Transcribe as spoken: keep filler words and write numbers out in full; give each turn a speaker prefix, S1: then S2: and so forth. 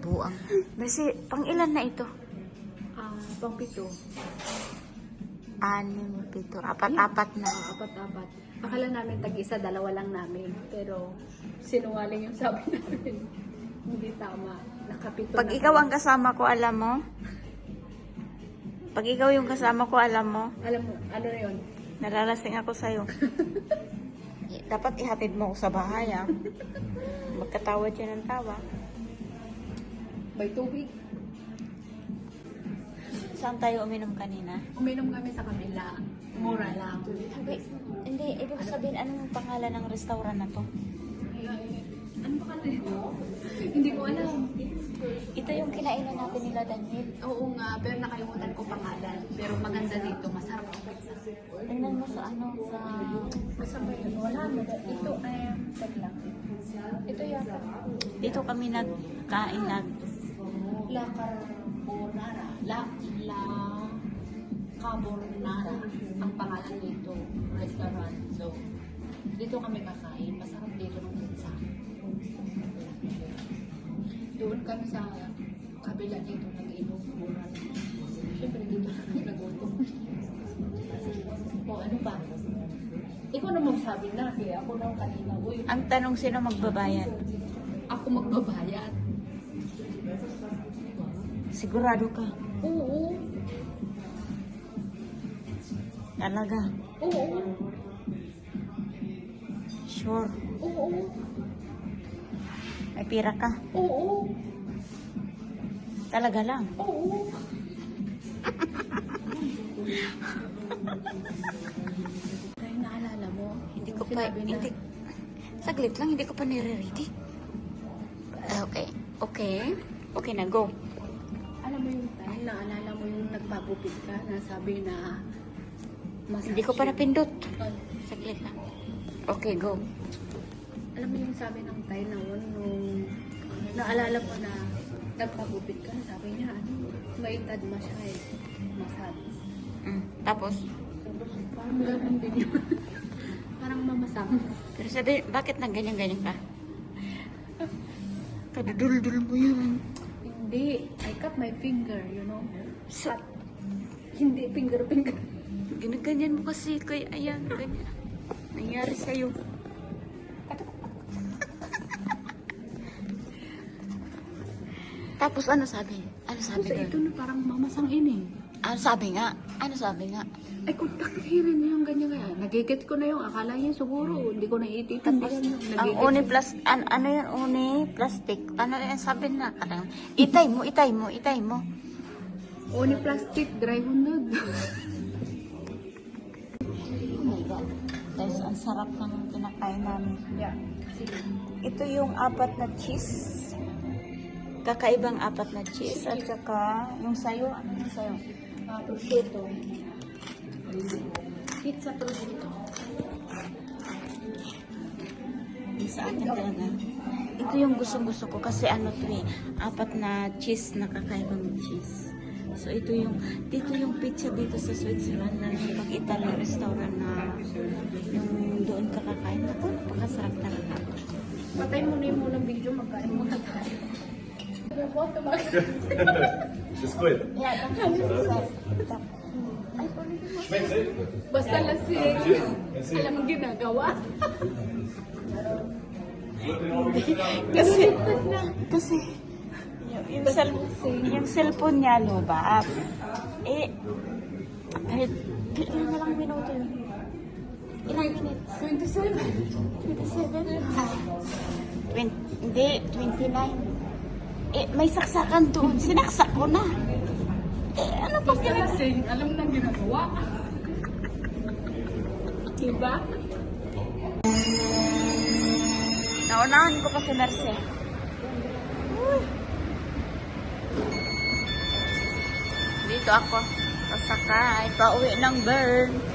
S1: buang. Kasi, pang ilan na ito?
S2: Ah, pang pito.
S1: Anim, pito, apat-apat na.
S2: Ah, apat-apat. Akala namin tag-isa, dalawa lang namin. Pero sinungaling yung sabi namin. Hindi tama. Nakapito
S1: Pag
S2: na
S1: ikaw
S2: kami.
S1: ang kasama ko, alam mo? Pag ikaw yung kasama ko, alam mo?
S2: Alam mo, ano na yun?
S1: Nalalasing ako sa'yo. Dapat ihatid mo ako sa bahay, ah. Magkatawa dyan ng tawa.
S2: May tubig.
S1: Saan tayo uminom kanina?
S2: Uminom kami sa kabila. Mura lang.
S1: Wait, hindi. Ibig sabihin, anong pangalan ng restaurant na to?
S2: Ano ba kasi? Hindi ko alam.
S1: Ito yung kinainan natin nila, Daniel.
S2: Oo nga, pero nakalimutan ko pangalan. Pero maganda dito, masarap ang pizza.
S1: Tingnan mo sa ano, sa...
S2: Masarap yun. Wala mo. Ito ay, tag lang. Ito yata.
S1: Dito kami nagkain, nag...
S2: La Carbonara. La, La Carbonara. Ang pangalan dito, restaurant. So, dito kami kakain. Masarap dito ng pizza. Doon kami sa kabila dito nag-inom. Mura lang. Siyempre dito kami nag-utom. O ano ba? Ikaw na magsabi na. Kaya ako na kanina. Uy,
S1: Ang tanong, sino magbabayad?
S2: ako magbabayad.
S1: Sigurado ka?
S2: Oo.
S1: Talaga?
S2: Oo.
S1: Sure?
S2: Oo.
S1: May pira ka?
S2: Oo.
S1: Talaga lang?
S2: Oo. Kaya naalala mo,
S1: Hindi ko pa,
S2: sinabi na-
S1: hindi, saglit lang, hindi ko pa nire-ready. Ah, Okay, okay, okay na, go.
S2: Alam mo yung time, naalala mo yung nagpagupit ka na sabi na massage.
S1: Hindi ko pa napindot.
S2: Ah,
S1: Saglit lang. Okay, go.
S2: alam mo yung sabi ng time na yun, nung naalala mo na nagpagupit ka, sabi niya, ano, may tad massage. Massage.
S1: Mm. Tapos,
S2: Tapos parang ganun din yun. Parang mamasang.
S1: pero sabi, bakit nang ganyan-ganyan ka? Kadudul-dul mo yun.
S2: Hindi, I cut my finger, you know.
S1: So,
S2: Cut. Hindi, finger-finger.
S1: ginaganyan mo kasi, kaya ayan, ganyan. Nangyari sa'yo. Tapos ano sabi? Ano sabi
S2: Kasi
S1: doon?
S2: ito na parang mamasang ini.
S1: Ano sabi nga? Ano sabi nga?
S2: Ay, kung nakikirin niya yung ganyan kaya, nagigit ko na yung akala niya siguro, hindi ko na ititindihan yung
S1: Ang
S2: nagigit.
S1: uni plus, an, ano yun, uni plastic. Ano yan sabi na? Kadang, itay mo, itay mo, itay mo.
S2: Uni plastic, dry hundod.
S1: Oh my God. Guys, ang sarap ng kinakain namin.
S2: Yeah. Sige.
S1: Ito yung apat na cheese. Kakaibang apat na cheese. At saka, yung sayo, ano yung sayo?
S2: Uh, prosciutto. Pizza prosciutto.
S1: Yung sa akin talaga. Ito yung gustong-gusto ko kasi ano to eh, apat na cheese na kakaibang cheese. So ito yung, dito yung pizza dito sa Switzerland na pag Italian restaurant na yung doon ka kakain. Ako, napakasarap talaga.
S2: Patay mo na yung munang video, magkain mo na tayo.
S3: It's good.
S1: Yeah, that's
S3: Schmeckt sehr gut.
S2: Basta lasing. Alam mo ginagawa.
S1: Kasi, kasi, yung, yung, cell, yung cellphone niya, no ba? Eh, kahit, ilan na lang minuto yun? Ilang minutes?
S2: twenty-seven.
S1: twenty-seven? twenty, hindi, twenty-nine. Eh, may saksakan doon. Sinaksak ko na. Eh, ano pa
S2: Basta
S1: ginagawa?
S2: lasing, alam mo nang ginagawa. Diba?
S1: Naunahan ko pa si Merce. Uy. Dito ako. Sasakay. Pauwi ng Bern.